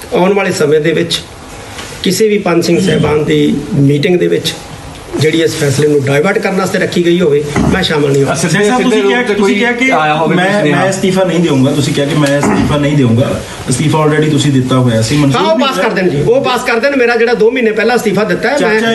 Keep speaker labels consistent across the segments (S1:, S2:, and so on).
S1: ਆਉਣ ਵਾਲੇ ਸਮੇਂ ਦੇ ਵਿੱਚ ਕਿਸੇ ਵੀ ਪੰਜ ਸਿੰਘ ਸਾਹਿਬਾਨ ਦੀ ਮੀਟਿੰਗ ਦੇ ਵਿੱਚ ਜਿਹੜੀ ਇਸ ਫੈਸਲੇ ਨੂੰ ਡਾਇਵਰਟ ਕਰਨ ਵਾਸਤੇ ਰੱਖੀ ਗਈ ਹੋਵੇ ਮੈਂ ਸ਼ਾਮਲ ਨਹੀਂ ਹੋਵਾਂ।
S2: ਤੁਸੀਂ ਕਿਹਾ ਕਿ ਮੈਂ ਅਸਤੀਫਾ ਨਹੀਂ ਦੇਵਾਂਗਾ, ਤੁਸੀਂ ਕਿਹਾ ਕਿ ਮੈਂ ਅਸਤੀਫਾ ਨਹੀਂ ਦੇਵਾਂਗਾ, ਅਸਤੀਫਾ ਆਲਰੇਡੀ ਤੁਸੀਂ ਦਿੱਤਾ ਹੋਇਆ ਸੀ।
S1: ਹਾਂ ਉਹ ਪਾਸ ਕਰ ਦੇਣ ਜੀ, ਉਹ ਪਾਸ ਕਰ ਦੇਣ। ਮੇਰਾ ਜਿਹੜਾ 2 ਮਹੀਨੇ ਪਹਿਲਾਂ ਅਸਤੀਫਾ ਦਿੱਤਾ ਹੈ ਮੈਂ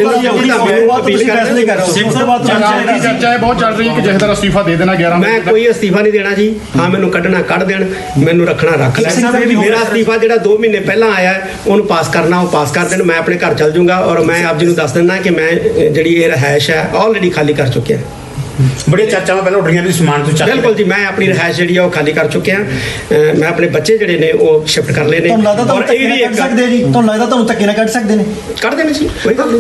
S3: ਚਰਚਾ ਬਹੁਤ ਚੱਲ ਰਹੀ ਹੈ ਕਿ ਜਥੇਦਾਰ ਅਸਤੀਫਾ ਦੇ ਦੇਣਾ 11।
S1: ਮੈਂ ਕੋਈ ਅਸਤੀਫਾ ਨਹੀਂ ਦੇਣਾ ਜੀ। ਹਾਂ ਮੈਨੂੰ ਕੱਢਣਾ ਕੱਢ ਦੇਣ, ਮੈਨੂੰ ਰੱਖਣਾ ਰੱਖ ਲੈਣ। ਮੇਰਾ ਅਸਤੀਫਾ ਜਿਹੜਾ 2 ਮਹੀਨੇ ਪਹਿਲਾਂ ਆਇਆ ਉਹਨੂੰ ਪਾਸ ਕਰਨਾ ਉਹ ਪਾਸ ਕਰ ਦੇਣ। ਮੈਂ ਆਪਣੇ ਘਰ ਚੱਲ ਜਾਊਂਗਾ ਔਰ ਮੈਂ ਆਪ ਜੀ ਨੂੰ ਦੱਸ ਦਿੰਦਾ ਕਿ ਮੈਂ ਜਿਹੜੀ ਇਹ ਰਿਹਾਇਸ਼ ਹੈ ਆਲਰੇਡੀ ਖਾਲੀ ਕਰ ਚੁੱਕਿਆ।
S4: ਬੜੀਆਂ ਚਰਚਾਵਾਂ ਪਹਿਲਾਂ ਉੱਡ ਰਹੀਆਂ ਵੀ ਸਮਾਨ ਤੋਂ ਚੱਕ
S1: ਬਿਲਕੁਲ ਜੀ, ਮੈਂ ਆਪਣੀ ਰਿਹਾਇਸ਼ ਜਿਹੜੀ ਆ ਉਹ ਖਾਲੀ ਕਰ ਚੁੱਕਿਆ। ਮੈਂ ਆਪਣੇ ਬੱਚੇ ਜਿਹੜੇ ਨੇ ਉਹ ਸ਼ਿਫਟ ਕਰ ਲਏ ਨੇ।
S5: ਔਰ ਇਹ ਵੀ ਕੱਢ ਸਕਦੇ ਜੀ, ਤੁਹਾਨੂੰ ਲੱਗਦਾ ਤੁਹਾਨੂੰ ਧੱਕੇ ਨਾਲ ਕੱਢ ਸਕਦੇ ਨੇ?
S1: ਕੱਢ ਦੇਣੇ ਜੀ, ਕੋਈ ਗੱਲ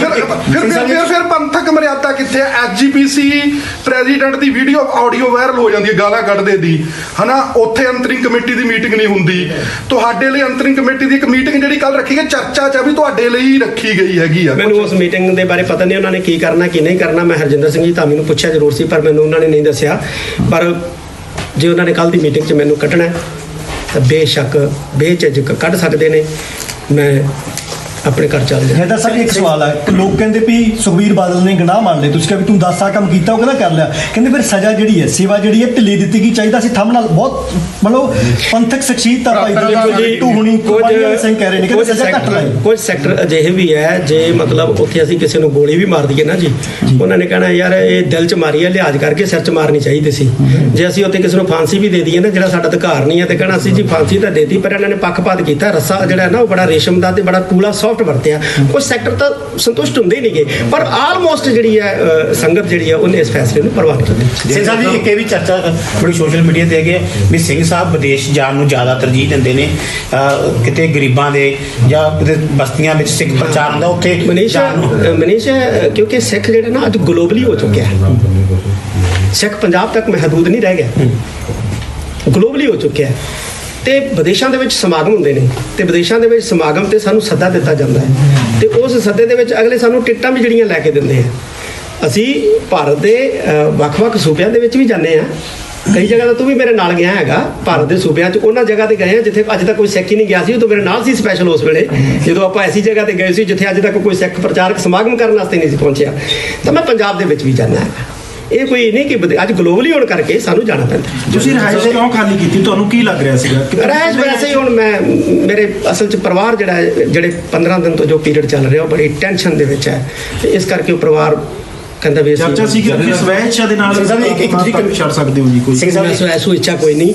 S1: ਨਹੀਂ।
S3: ਫਿਰ ਪੰਥਕ ਮਰਿਆਦਾ ਕਿੱਥੇ? ਐਸਜੀਪੀਸੀ ਪ੍ਰੈਜ਼ੀਡੈਂਟ ਦੀ ਵੀਡੀਓ ਆਡੀਓ ਵਾਇਰਲ ਹੋ ਜਾਂਦੀ ਹੈ ਗਾਲਾਂ ਕੱਢਦੇ ਦੀ, ਹਨਾ। ਉੱਥੇ ਅੰਤਰਿੰਗ ਕਮੇਟੀ ਦੀ ਮੀਟਿੰਗ ਨਹੀਂ ਹੁੰਦੀ। ਤੁਹਾਡੇ ਲਈ ਅੰਤਰਿੰਗ ਕਮੇਟੀ ਦੀ ਇੱਕ ਮੀਟਿੰਗ ਜਿਹੜੀ ਕੱਲ ਰੱਖੀ ਗਈ, ਚਰਚਾ ਚ ਵੀ ਤੁਹਾਡੇ ਲਈ ਰੱਖੀ ਗਈ ਹੈਗੀ ਆ।
S1: ਮੈਨੂੰ ਉਸ ਮੀਟਿੰਗ ਦੇ ਬਾਰੇ ਪਤਾ ਨਹੀਂ ਉਹਨਾਂ ਨੇ ਕੀ ਕਰਨਾ ਕੀ ਨਹੀਂ ਕਰਨਾ। ਮੈਂ ਹਰਜਿੰਦਰ ਸਿੰਘ ਜੀ ਤਾਂ ਮੈਨੂੰ ਪੁੱਛਿਆ ਜ਼ਰੂਰ ਸੀ ਪਰ ਮੈਨੂੰ ਉਹਨਾਂ ਨੇ ਨਹੀਂ ਦੱਸਿਆ। ਪਰ ਜੇ ਉਹਨਾਂ ਨੇ ਕੱਲ ਦੀ ਮੀਟਿੰਗ 'ਚ ਮੈਨੂੰ ਕੱਢਣਾ ਤਾਂ ਬੇਸ਼ੱਕ ਬੇਝਿਜਕ ਕੱਢ ਸਕਦੇ ਨੇ। ਮੈਂ ਆਪਣੇ ਘਰ ਚੱਲ ਜਾ।
S5: ਹੈਦਰ ਸਾਹਿਬ ਇੱਕ ਸਵਾਲ ਹੈ ਕਿ ਲੋਕ ਕਹਿੰਦੇ ਵੀ ਸੁਖਬੀਰ ਬਾਦਲ ਨੇ ਗੁਨਾਹ ਮੰਨ ਲਏ, ਤੁਸੀਂ ਕਿਹਾ ਵੀ ਤੂੰ 10 ਸਾਲ ਕੰਮ ਕੀਤਾ, ਉਹ ਕਹਿੰਦਾ ਕਰ ਲਿਆ। ਕਹਿੰਦੇ ਫਿਰ ਸਜ਼ਾ ਜਿਹੜੀ ਹੈ, ਸੇਵਾ ਜਿਹੜੀ ਹੈ ਢਿੱਲੀ ਦਿੱਤੀ ਗਈ। ਚਾਹੀਦਾ ਸੀ ਥੰਮ ਨਾਲ ਬਹੁਤ ਮਤਲਬ ਪੰਥਕ ਸ਼ਖਸੀਅਤ ਤਾਂ ਭਾਈ ਟੂ ਹੁਣੀ ਸਿੰਘ ਕਹਿ ਰਹੇ ਨੇ ਕਿ ਸਜ਼ਾ ਘੱਟ ਲਾਈ।
S1: ਕੁਝ ਸੈਕਟਰ ਅਜਿਹੇ ਵੀ ਹੈ ਜੇ ਮਤਲਬ ਉੱਥੇ ਅਸੀਂ ਕਿਸੇ ਨੂੰ ਗੋਲੀ ਵੀ ਮਾਰ ਦਈਏ ਨਾ ਜੀ, ਉਹਨਾਂ ਨੇ ਕਹਿਣਾ ਯਾਰ ਇਹ ਦਿਲ 'ਚ ਮਾਰੀ ਹੈ, ਲਿਹਾਜ਼ ਕਰਕੇ ਸਿਰ 'ਚ ਮਾਰਨੀ ਚਾਹੀਦੀ ਸੀ। ਜੇ ਅਸੀਂ ਉੱਥੇ ਕਿਸੇ ਨੂੰ ਫਾਂਸੀ ਵੀ ਦੇ ਦਈਏ ਨਾ, ਜਿਹੜਾ ਸਾਡਾ ਅਧਿਕਾਰ ਨਹੀਂ ਹੈ, ਤੇ ਕਹਿਣਾ ਅਸੀਂ ਜੀ ਫਾਂਸੀ ਤਾਂ ਦੇਤੀ ਪਰ ਇਹਨਾਂ ਨੇ ਪੱਖਪਾਤ ਕੀਤਾ। ਰੱਸਾ ਜਿਹੜਾ ਨਾ ਉਹ ਬੜਾ ਰੇਸ਼ਮ ਦਾ ਤੇ ਬੜਾ ਕੂਲਾ ਸੌਫਟ ਵਰਤਿਆ। ਕੁਝ ਸੈਕਟਰ ਤਾਂ ਸੰਤੁਸ਼ਟ ਹੁੰਦੇ ਹੀ ਨਹੀਂਗੇ, ਪਰ ਆਲਮੋਸਟ ਜਿਹੜੀ ਹੈ ਸੰਗਤ ਜਿਹੜੀ ਹੈ ਉਹਨੇ ਇਸ ਫੈਸਲੇ ਨੂੰ ਪ੍ਰਵਾਨ ਕੀਤਾ।
S4: ਸਿੰਘ ਸਾਹਿਬ ਜੀ ਇੱਕ ਇਹ ਵੀ ਚਰਚਾ ਬੜੀ ਸੋਸ਼ਲ ਮੀਡੀਆ ਤੇ ਹੈਗੀ ਵੀ ਸਿੰਘ ਸਾਹਿਬ ਵਿਦੇਸ਼ ਜਾਣ ਨੂੰ ਜ਼ਿਆਦਾ ਤਰਜੀਹ ਦਿੰਦੇ ਨੇ। ਕਿਤੇ ਗਰੀਬਾਂ ਦੇ ਜਾਂ ਕਿਤੇ ਬਸਤੀਆਂ ਵਿੱਚ ਸਿੱਖ ਪ੍ਰਚਾਰ ਹੁੰਦਾ ਉੱਥੇ
S1: ਮਨੀਸ਼ ਕਿਉਂਕਿ ਸਿੱਖ ਜਿਹੜਾ ਨਾ ਅੱਜ ਗਲੋਬਲੀ ਹੋ ਚੁੱਕਿਆ ਹੈ। ਸਿੱਖ ਪੰਜਾਬ ਤੱਕ ਮਹਦੂਦ ਨਹੀਂ ਰਹਿ ਗਿਆ, ਗਲੋਬਲੀ ਹੋ ਚੁੱਕਿਆ ਹੈ। ਤੇ ਵਿਦੇਸ਼ਾਂ ਦੇ ਵਿੱਚ ਸਮਾਗਮ ਹੁੰਦੇ ਨੇ ਤੇ ਵਿਦੇਸ਼ਾਂ ਦੇ ਵਿੱਚ ਸਮਾਗਮ ਤੇ ਸਾਨੂੰ ਸੱਦਾ ਦਿੱਤਾ ਜਾਂਦਾ ਹੈ ਤੇ ਉਸ ਸੱਦੇ ਦੇ ਵਿੱਚ ਅਗਲੇ ਸਾਨੂੰ ਟਿਕਟਾਂ ਵੀ ਜਿਹੜੀਆਂ ਲੈ ਕੇ ਦਿੰਦੇ ਆ। ਅਸੀਂ ਭਾਰਤ ਦੇ ਵੱਖ-ਵੱਖ ਸੂਬਿਆਂ ਦੇ ਵਿੱਚ ਵੀ ਜਾਂਦੇ ਆ। ਕਈ ਜਗ੍ਹਾ ਤਾਂ ਤੂੰ ਵੀ ਮੇਰੇ ਨਾਲ ਗਿਆ ਹੈਗਾ ਭਾਰਤ ਦੇ ਸੂਬਿਆਂ 'ਚ, ਉਹਨਾਂ ਜਗ੍ਹਾ ਤੇ ਗਏ ਆ ਜਿੱਥੇ ਅੱਜ ਤੱਕ ਕੋਈ ਸਿੱਖ ਹੀ ਨਹੀਂ ਗਿਆ ਸੀ। ਉਦੋਂ ਮੇਰੇ ਨਾਲ ਸੀ ਸਪੈਸ਼ਲ ਉਸ ਵੇਲੇ ਜਦੋਂ ਆਪਾਂ ਐਸੀ ਜਗ੍ਹਾ ਤੇ ਗਏ ਸੀ ਜਿੱਥੇ ਅੱਜ ਤੱਕ ਕੋਈ ਸਿੱਖ ਪ੍ਰਚਾਰਕ ਸਮਾਗਮ ਕਰਨ ਵਾਸਤੇ ਨਹੀਂ ਸੀ ਪਹੁੰਚਿਆ। ਤਾਂ ਮੈਂ ਪੰਜਾਬ ਦੇ ਵਿੱਚ ਵੀ ਜਾਂਦਾ ਹੈਗਾ। ਇਹ ਕੋਈ ਨਹੀਂ ਕਿ ਅੱਜ ਗਲੋਬਲੀ ਹੋਣ ਕਰਕੇ ਸਾਨੂੰ ਜਾਣਾ ਪੈਂਦਾ।
S2: ਤੁਸੀਂ ਰਿਹਾਇਸ਼ ਕਿਉਂ ਖਾਲੀ ਕੀਤੀ? ਤੁਹਾਨੂੰ ਕੀ ਲੱਗ ਰਿਹਾ ਸੀਗਾ?
S1: ਰਿਹਾਇਸ਼ ਵੈਸੇ ਹੀ ਹੁਣ ਮੇਰੇ ਅਸਲ 'ਚ ਪਰਿਵਾਰ ਜਿਹੜੇ 15 ਦਿਨ ਤੋਂ ਜੋ ਪੀਰੀਅਡ ਚੱਲ ਰਿਹਾ ਉਹ ਬੜੀ ਟੈਨਸ਼ਨ ਦੇ ਵਿੱਚ ਹੈ ਤੇ ਇਸ ਕਰਕੇ ਉਹ ਪਰਿਵਾਰ ਕਹਿੰਦਾ ਵੀ
S2: ਚਰਚਾ ਸੀ ਕਿ ਤੁਸੀਂ ਸਵੈ ਇੱਛਾ ਦੇ ਨਾਲ ਇੱਕ ਤੁਸੀਂ ਛੱਡ ਸਕਦੇ ਹੋ ਜੀ। ਕੋਈ
S1: ਸਵੈ ਇੱਛਾ ਕੋਈ ਨਹੀਂ।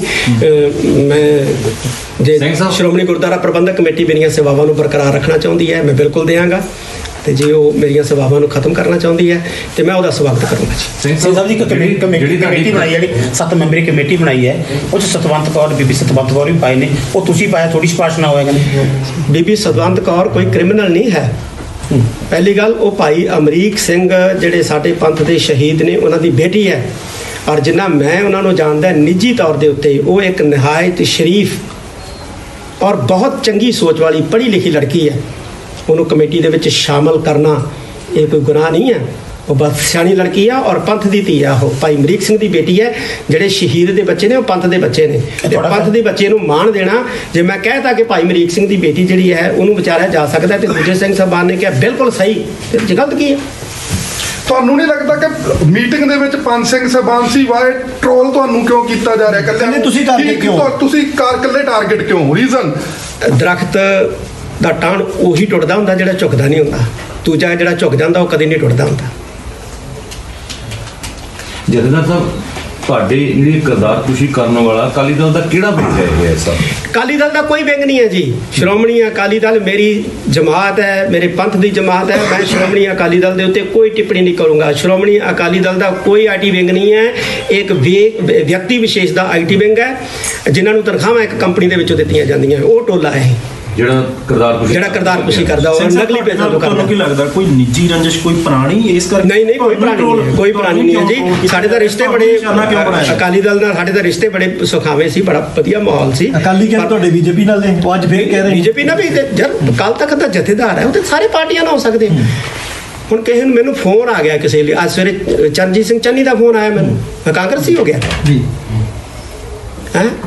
S1: ਮੈਂ ਜੇ ਸ਼੍ਰੋਮਣੀ ਗੁਰਦੁਆਰਾ ਪ੍ਰਬੰਧਕ ਕਮੇਟੀ ਮੇਰੀਆਂ ਸੇਵਾਵਾਂ ਨੂੰ ਬਰਕਰਾਰ ਰੱਖਣਾ ਚਾਹੁੰਦੀ ਹੈ ਮੈਂ ਬਿਲਕੁਲ ਦੇਵਾਂਗਾ ਤੇ ਜੇ ਉਹ ਮੇਰੀਆਂ ਸੇਵਾਵਾਂ ਨੂੰ ਖਤਮ ਕਰਨਾ ਚਾਹੁੰਦੀ ਹੈ ਤੇ ਮੈਂ ਉਹਦਾ ਸਵਾਗਤ ਕਰੂੰਗਾ ਜੀ।
S4: ਸਿੰਘ ਸਾਹਿਬ ਜੀ ਕਮੇਟੀ ਬਣਾਈ ਜਿਹੜੀ 7 ਮੈਂਬਰੀ ਕਮੇਟੀ ਬਣਾਈ ਹੈ ਉਹ 'ਚ ਸਤਵੰਤ ਕੌਰ ਬੀਬੀ ਸਤਵੰਤ ਕੌਰ ਵੀ ਪਾਏ ਨੇ, ਉਹ ਤੁਸੀਂ ਪਾਇਆ, ਥੋੜੀ ਸਿਫਾਰਿਸ਼ ਨਾ ਹੋਏਗਾ?
S1: ਬੀਬੀ ਸਤਵੰਤ ਕੌਰ ਕੋਈ ਕ੍ਰਿਮੀਨਲ ਨਹੀਂ ਹੈ। ਪਹਿਲੀ ਗੱਲ ਉਹ ਭਾਈ ਅਮਰੀਕ ਸਿੰਘ ਜਿਹੜੇ ਸਾਡੇ ਪੰਥ ਦੇ ਸ਼ਹੀਦ ਨੇ ਉਹਨਾਂ ਦੀ ਬੇਟੀ ਹੈ ਔਰ ਜਿੰਨਾ ਮੈਂ ਉਹਨਾਂ ਨੂੰ ਜਾਣਦਾ ਨਿੱਜੀ ਤੌਰ ਦੇ ਉੱਤੇ ਉਹ ਇੱਕ ਨਿਹਾਇਤ ਸ਼ਰੀਫ ਔਰ ਬਹੁਤ ਚੰਗੀ ਸੋਚ ਵਾਲੀ ਪੜ੍ਹੀ ਲਿਖੀ ਲੜਕੀ ਹੈ। ਉਹਨੂੰ ਕਮੇਟੀ ਦੇ ਵਿੱਚ ਸ਼ਾਮਲ ਕਰਨਾ ਇਹ ਕੋਈ ਗੁਨਾਹ ਨਹੀਂ ਹੈ। ਉਹ ਬਸ ਸਿਆਣੀ ਲੜਕੀ ਆ ਔਰ ਪੰਥ ਦੀ ਧੀ ਆ। ਉਹ ਭਾਈ ਅਮਰੀਕ ਸਿੰਘ ਦੀ ਬੇਟੀ ਹੈ। ਜਿਹੜੇ ਸ਼ਹੀਦ ਦੇ ਬੱਚੇ ਨੇ ਉਹ ਪੰਥ ਦੇ ਬੱਚੇ ਨੇ ਤੇ ਪੰਥ ਦੇ ਬੱਚੇ ਨੂੰ ਮਾਣ ਦੇਣਾ। ਜੇ ਮੈਂ ਕਹਿਤਾ ਕਿ ਭਾਈ ਅਮਰੀਕ ਸਿੰਘ ਦੀ ਬੇਟੀ ਜਿਹੜੀ ਹੈ ਉਹਨੂੰ ਵਿਚਾਰਿਆ ਜਾ ਸਕਦਾ ਤੇ ਦੂਜੇ ਸਿੰਘ ਸਾਹਿਬਾਨ ਨੇ ਕਿਹਾ ਬਿਲਕੁਲ ਸਹੀ, ਤੇ ਗਲਤ ਕੀ ਹੈ?
S3: ਤੁਹਾਨੂੰ ਨਹੀਂ ਲੱਗਦਾ ਕਿ ਮੀਟਿੰਗ ਦੇ ਵਿੱਚ ਪੰਜ ਸਿੰਘ ਸਾਹਿਬਾਨ ਸੀ ਵਾਏ ਟ੍ਰੋਲ ਤੁਹਾਨੂੰ ਕਿਉਂ ਕੀਤਾ ਜਾ ਰਿਹਾ?
S5: ਇਕੱਲੇ ਤੁਸੀਂ ਟਾਰਗੇਟ ਕਿਉਂ?
S3: ਤੁਸੀਂ ਇਕੱਲੇ ਟਾਰਗੇਟ ਕਿਉਂ? ਰੀਜ਼ਨ
S1: ਦਰਖਤ ਦਾ ਟਾਣ ਉਹੀ ਟੁੱਟਦਾ ਹੁੰਦਾ ਜਿਹੜਾ ਝੁਕਦਾ ਨਹੀਂ ਹੁੰਦਾ। ਦੂਜਾ ਜਿਹੜਾ ਝੁਕ ਜਾਂਦਾ ਉਹ ਕਦੇ ਨਹੀਂ ਟੁੱਟਦਾ ਹੁੰਦਾ।
S6: ਜਥੇਦਾਰ ਸਾਹਿਬ ਤੁਹਾਡੇ ਜਿਹੜੀ ਕਿਰਦਾਰਕੁਸ਼ੀ ਕਰਨ ਵਾਲਾ ਅਕਾਲੀ ਦਲ ਦਾ ਕਿਹੜਾ ਵਿੰਗ ਹੈ ਇਹ ਸਭ?
S1: ਅਕਾਲੀ ਦਲ ਦਾ ਕੋਈ ਵਿੰਗ ਨਹੀਂ ਹੈ ਜੀ। ਸ਼੍ਰੋਮਣੀ ਅਕਾਲੀ ਦਲ ਮੇਰੀ ਜਮਾਤ ਹੈ, ਮੇਰੇ ਪੰਥ ਦੀ ਜਮਾਤ ਹੈ। ਮੈਂ ਸ਼੍ਰੋਮਣੀ ਅਕਾਲੀ ਦਲ ਦੇ ਉੱਤੇ ਕੋਈ ਟਿੱਪਣੀ ਨਹੀਂ ਕਰੂੰਗਾ। ਸ਼੍ਰੋਮਣੀ ਅਕਾਲੀ ਦਲ ਦਾ ਕੋਈ ਆਈਟੀ ਵਿੰਗ ਨਹੀਂ ਹੈ। ਇੱਕ ਵਿਅਕਤੀ ਵਿਸ਼ੇਸ਼ ਦਾ ਆਈਟੀ ਵਿੰਗ ਹੈ ਜਿਨ੍ਹਾਂ ਨੂੰ ਤਨਖਾਹਾਂ ਇੱਕ ਕੰਪਨੀ ਦੇ ਵਿੱਚੋਂ ਦਿੱਤੀਆਂ ਜਾਂਦੀਆਂ, ਉਹ ਟੋਲਾ ਹੈ
S6: ਜਿਹੜਾ ਕਿਰਦਾਰਕੁਸ਼ੀ ਕਰਦਾ ਉਹ ਨਕਲੀ ਪੈਸਾ ਤੋਂ ਕਰਦਾ।
S2: ਤੁਹਾਨੂੰ ਕੀ ਲੱਗਦਾ ਕੋਈ ਨਿੱਜੀ ਰੰਜਿਸ਼ ਕੋਈ ਪੁਰਾਣੀ ਇਸ ਕਰਕੇ?
S1: ਨਹੀਂ ਕੋਈ ਪੁਰਾਣੀ ਨਹੀਂ ਹੈ ਜੀ। ਸਾਡੇ ਤਾਂ ਰਿਸ਼ਤੇ ਬੜੇ ਅਕਾਲੀ ਦਲ ਨਾਲ ਸਾਡੇ ਤਾਂ ਰਿਸ਼ਤੇ ਬੜੇ ਸੁਖਾਵੇਂ ਸੀ, ਬੜਾ ਵਧੀਆ ਮਾਹੌਲ ਸੀ।
S5: ਅਕਾਲੀ ਕਹਿੰਦੇ ਤੁਹਾਡੇ ਬੀਜੇਪੀ ਨਾਲ ਨੇ, ਉਹ ਅੱਜ ਫੇਰ ਕਹਿ ਰਹੇ
S1: ਬੀਜੇਪੀ ਨਾਲ ਵੀ ਜਦ ਕੱਲ ਤੱਕ ਦਾ ਜਥੇਦਾਰ ਹੈ ਉਹ ਤੇ ਸਾਰੇ ਪਾਰਟੀਆਂ ਨਾਲ ਹੋ ਸਕਦੇ। ਹੁਣ ਕਿਸੇ ਨੂੰ ਮੈਨੂੰ ਫੋਨ ਆ ਗਿਆ ਕਿਸੇ ਲਈ, ਅੱਜ ਸਵੇਰੇ ਚਰਨਜੀਤ ਸਿੰਘ ਚੰਨੀ ਦਾ ਫੋਨ ਆਇਆ ਮੈਨੂੰ, ਮੈਂ ਕਾਂਗਰਸੀ ਹੋ ਗਿਆ ਜੀ।